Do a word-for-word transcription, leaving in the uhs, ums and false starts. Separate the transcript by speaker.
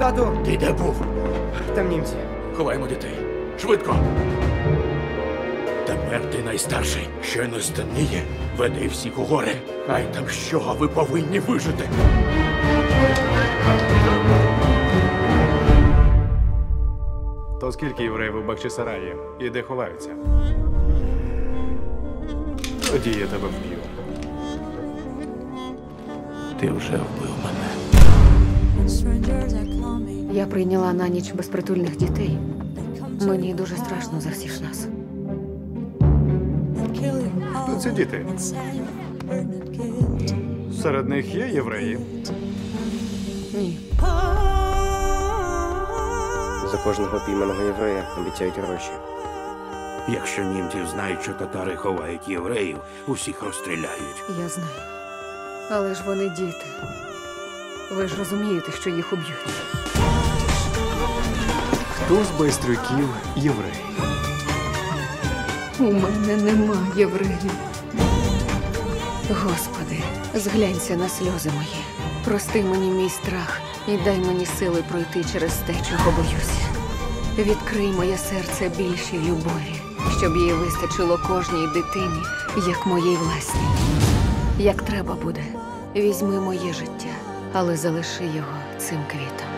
Speaker 1: Тату!
Speaker 2: Ти де був?
Speaker 1: Там німці.
Speaker 2: Ховаємо дітей. Швидко! Тепер ти найстарший. Щойно стемніє. Веди всіх у гори. Хай там що, а ви повинні вижити.
Speaker 3: То скільки євреїв у Бахчисараї і де ховаються? Тоді я тебе вб'ю.
Speaker 2: Ти вже вбив мене.
Speaker 4: Я прийняла на ніч безпритульних дітей. Мені дуже страшно за всіх нас.
Speaker 3: Хто ці діти? Серед них є євреї?
Speaker 4: Ні.
Speaker 1: За кожного пійманого єврея обіцяють гроші.
Speaker 2: Якщо німці знають, що татари ховають євреїв, усіх розстріляють.
Speaker 4: Я знаю. Але ж вони діти. Ви ж розумієте, що їх уб'ють.
Speaker 3: Хто з байстрюків єврей?
Speaker 4: У мене нема євреїв. Господи, зглянься на сльози мої. Прости мені мій страх і дай мені сили пройти через те, чого боюся. Відкрий моє серце більшій любові, щоб її вистачило кожній дитині, як моїй власній. Як треба буде, візьми моє життя, але залиши його цим квітом.